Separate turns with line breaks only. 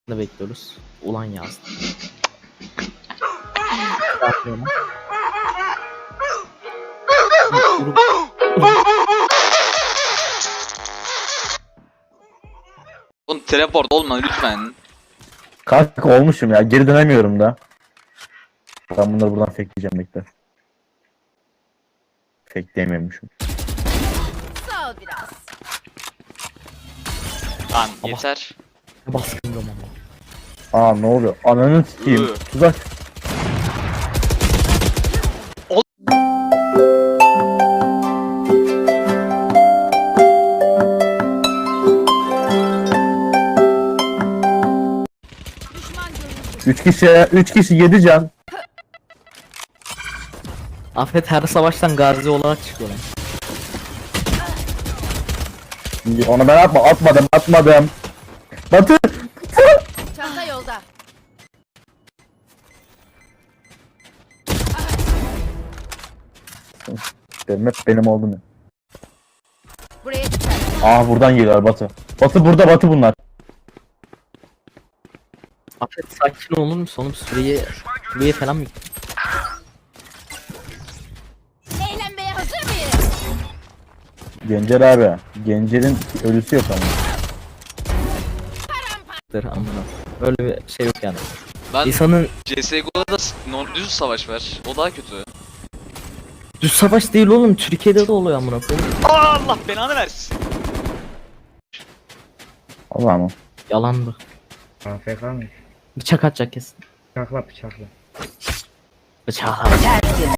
da bekliyoruz. Ulan yazdı.
Oğlum teleport olma lütfen.
Kanka olmuşum ya. Geri dönemiyorum da. Ben bunları buradan fakeleyeceğim bekle. Fakeleyemiyormuşum.
Sağ ol biraz.
Lan yeter.
Baskın ama.
Aa ne oluyor? Ananı sikeyim.
Iı.
Tuzak.
Düşman görüldü.
3 kişi 7 can.
Afet her savaştan gazi olarak çıkıyor lan.
Onu ben atmadım. Batı.
Çanta yolda.
Benim oldu mu?
Buraya dikkat.
Buradan geliyor Batı. Batı burada, Batı bunlar.
Afet sakin olur musun oğlum? Suriye falan mı?
Eğlenmeye hazır mıyız?
Gencer abi. Gencer'in ölüsü yok ama.
Amına. Öyle bir şey yok yani.
Ben
İnsanın
CSGO'da da düz savaş var. O daha kötü.
düz savaş değil oğlum. Türkiye'de de oluyor amına koyayım.
Allah belanı versin.
Allah mı?
Yalandı.
AFK mı?
Bıçak atacak kesin.
Bıçakla bıçakla.
Bıçak.